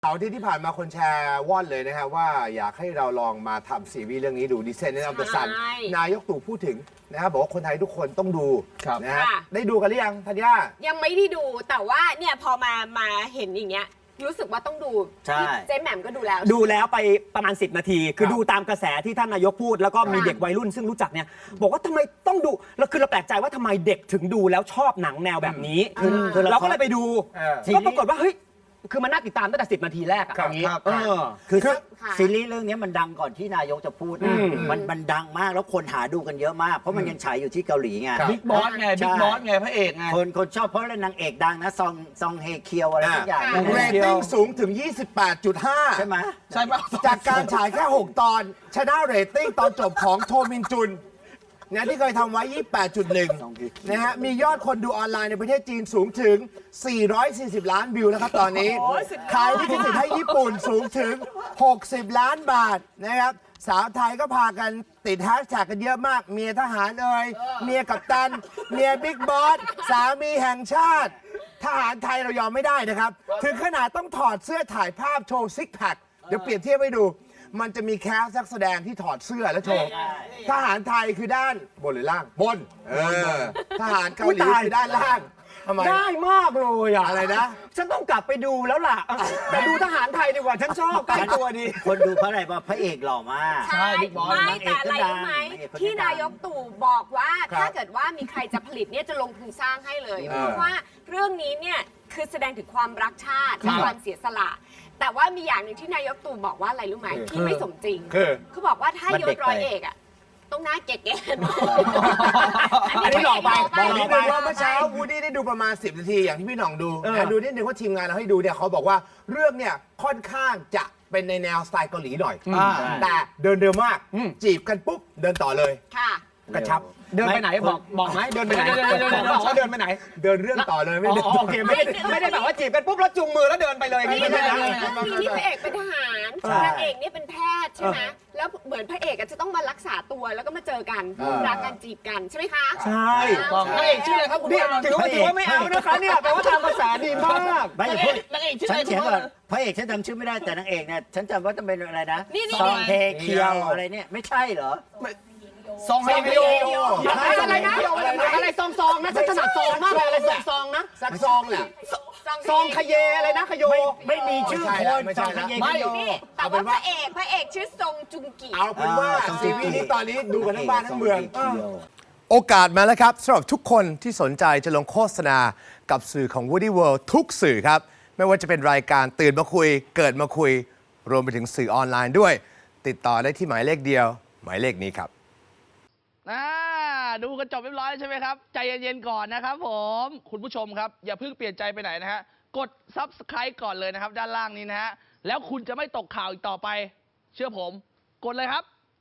เสาร์ที่ผ่านมาคนแชร์ว่อนเลยนะครับว่าอยากให้เราลองมาทำซีรีส์เรื่องนี้ดูดิเซนในอัมเตอร์ซันนายกตู่พูดถึงนะครับบอกว่าคนไทยทุกคนต้องดูนะฮะได้ดูกันหรือยังธัญญายังไม่ได้ดูแต่ว่าเนี่ยพอมาเห็นอย่างเงี้ยรู้สึกว่าต้องดูเจ๊แหม่มก็ดูแล้วไปประมาณ10 นาทีคือดูตามกระแสที่ท่านนายกพูดแล้วก็มีเด็กวัยรุ่นซึ่งรู้จักเนี่ยบอกว่าทำไมต้องดูแล้วคือเราแปลกใจว่าทำไมเด็กถึงดูแล้วชอบหนังแนวแบบนี้คือเราก็เลยไปดูก็ปรากฏว่าเฮ้ยคือมันน่าติดตามตั้งแต่10 นาทีแรกอะอย่างนี้คือซีรีส์เรื่องนี้มันดังก่อนที่นายกจะพูดมันดังมากแล้วคนหาดูกันเยอะมากเพราะมันยังฉายอยู่ที่เกาหลีไงบิ๊กบอสไงพระเอกไงคนชอบเพราะนางเอกดังนะซองเฮเคียวอะไรทุกอย่างเรตติ้งสูงถึง 28.5 ใช่ไหมใช่ป่ะจากการฉายแค่6 ตอนชนะเรตติ้งตอนจบของโทมินจุนนะที่เคยทำไว้ 28.1 นะฮะมียอดคนดูออนไลน์ในประเทศจีนสูงถึง 440 ล้านวิวนะครับตอนนี้ขายลิขสิทธิ์ให้ญี่ปุ่นสูงถึง 60 ล้านบาทนะครับสาวไทยก็พากันติดแฮชแท็กกันเยอะมากเมียทหารเมียกัปตันเมียบิ๊กบอสสามีแห่งชาติทหารไทยเรายอมไม่ได้นะครับถึงขนาดต้องถอดเสื้อถ่ายภาพโชว์ซิกแพคเดี๋ยวเปรียบเทียบให้ดูมันจะมีแคสนักแสดงที่ถอดเสื้อแล้วโชว์ทหารไทยคือด้านบนหรือล่างบนทหารเกาหลีคือด้านล่างได้มากเลยอะอะไรนะฉันต้องกลับไปดูแล้วล่ะไปดูทหารไทยดีกว่าฉันชอบใกล้ตัวดีคนดูเพราะอะไรว่าพระเอกหล่อมากใช่ไม่แต่อะไรรู้ไหมที่นายกตู่บอกว่าถ้าเกิดว่ามีใครจะผลิตเนี่ยจะลงทุนสร้างให้เลยเพราะว่าเรื่องนี้เนี่ยคือแสดงถึงความรักชาติความเสียสละแต่ว่ามีอย่างหนึ่งที่นายกตู่บอกว่าอะไรรู้ไหมที่ไม่สมจริงคือบอกว่าถ้ายศร้อยเอกอะต้องหน้าเก๋อันนี้หล่อไปบอกนิดนึงว่าเมื่อเช้าวูดดี้ได้ดูประมาณ10 นาทีอย่างที่พี่หน่องดูดูนิดนึงว่าทีมงานเราให้ดูเนี่ยเขาบอกว่าเรื่องเนี่ยค่อนข้างจะเป็นในแนวสไตล์เกาหลีหน่อยแต่เดินเร็วมากจีบกันปุ๊บเดินต่อเลยค่ะกระชับเดินไปไหนบอกไหมเดินไปไหนบอกว่าเดินไปไหนเดินเรื่องต่อเลยไม่ได้โอเคไม่ได้แบบว่าจีบกันปุ๊บแล้วจุงมือแล้วเดินไปเลยนี่พระเอกเป็นทหารนางเอกนี่เป็นแพทย์ใช่ไหมแล้วเหมือนพระเอกจะต้องมารักษาตัวแล้วก็มาเจอกันรักกันจีบกันใช่ไหมคะใช่พระเอกชื่ออะไรครับคุณพี่ถือว่าไม่เอานะคะเนี่ยแปลว่าทางภาษาดีมากไม่พูดนางเอกชื่ออะไรฉันเขียนก่อนพระเอกฉันจำชื่อไม่ได้แต่นางเอกเนี่ยฉันจำว่าต้องเป็นอะไรนะซองเฮเคียวอะไรเนี่ยไม่ใช่เหรอซองเฮเคียวอะไรนะอะไรซองนะฉันถนัดซองมากเลยอะไรซองนะสักซองแหละซองขยอะไรนะขยไม่มีชื่อคนซองขยไม่แต่ว่าพระเอกชื่อซงจุงกิเอาเป็นว่าซีรีส์นี้ตอนนี้ดูกันทั้งบ้านทั้งเมืองโอกาสมาแล้วครับสำหรับทุกคนที่สนใจจะลงโฆษณากับสื่อของ Woody World ทุกสื่อครับไม่ว่าจะเป็นรายการตื่นมาคุยเกิดมาคุยรวมไปถึงสื่อออนไลน์ด้วยติดต่อได้ที่หมายเลขเดียวหมายเลขนี้ครับดูกันจบเรียบร้อยใช่ไหมครับใจเย็นๆก่อนนะครับผมคุณผู้ชมครับอย่าเพิ่งเปลี่ยนใจไปไหนนะฮะกด Subscribe ก่อนเลยนะครับด้านล่างนี้นะฮะแล้วคุณจะไม่ตกข่าวอีกต่อไปเชื่อผมกดเลยครับ